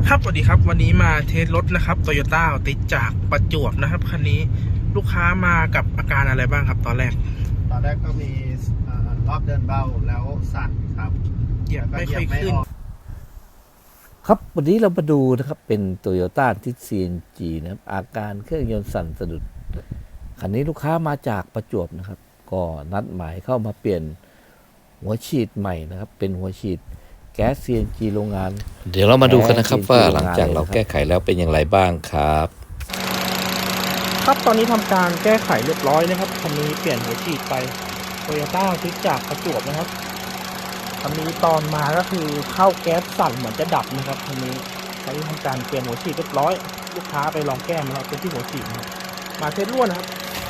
ครับสวัสดีครับวันนี้มาเทสรถนะครับโตโยต้าติดจากประจวบนะครับคันนี้ลูกค้ามากับอาการอะไรบ้างครับตอนแรกก็มีรอบเดินเบาแล้วสั่นครับเหยียบไม่ค่อยขึ้นครับวันนี้เรามาดูนะครับเป็น Toyota ที่ CNG นะครับอาการเครื่องยนต์สั่นสะดุดคันนี้ลูกค้ามาจากประจวบนะครับก็นัดหมายเข้ามาเปลี่ยนหัวฉีดใหม่นะครับเป็นหัวฉีดแก๊ส CNG โรงงานเดี๋ยวเรามาดูกันนะครับว่าหลังจากเราแก้ไขแล้วเป็นอย่างไรบ้างครับครับตอนนี้ทำการแก้ไขเรียบร้อยนะครับคันนี้เปลี่ยนหัวฉีดไปโตโยต้าติดจากประจวบนะครับคันนี้ตอนมาก็คือเข้าแก๊สสั่นเหมือนจะดับนะครับคันนี้ใช้ทำการเปลี่ยนหัวฉีดเรียบร้อยลูกค้าไปลองแก้มาแล้วเป็นที่หัวฉีดมาเทสรั่วนะครับ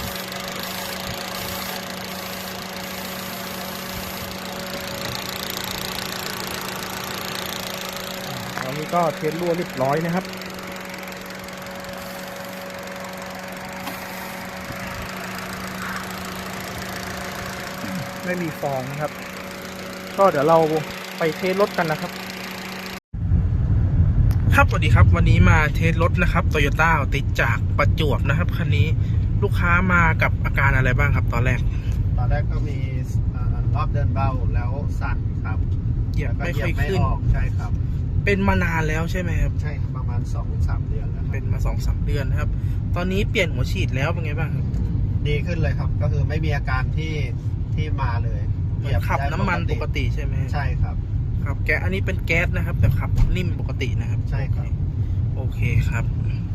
ตอนนี้ก็เทสรั่วเรียบร้อยนะครับไม่มีฟองนะครับก็เดี๋ยวเราไปเทสรถกันนะครับครับสวัสดีครับวันนี้มาเทสรถนะครับโตโยต้าติดจากประจวบนะครับคันนี้ลูกค้ามากับอาการอะไรบ้างครับตอนแรกก็มีรอบเดินเบาแล้วสั่นครับเหยียบไม่ค่อยขึ้นใช่ครับเป็นมานานแล้วใช่ไหมครับใช่ครับประมาณ 2-3 เดือนแล้วเป็นมา 2-3 เดือนนะครับตอนนี้เปลี่ยนหัวฉีดแล้วเป็นไงบ้างครับดีขึ้นเลยครับก็คือไม่มีอาการที่มาเลยเหมือนขับน้ำมันปกติใช่ไหมใช่ครับครับแก๊สอันนี้เป็นแก๊สนะครับแต่ขับนิ่มปกตินะครับใช่ครับโอเคครับ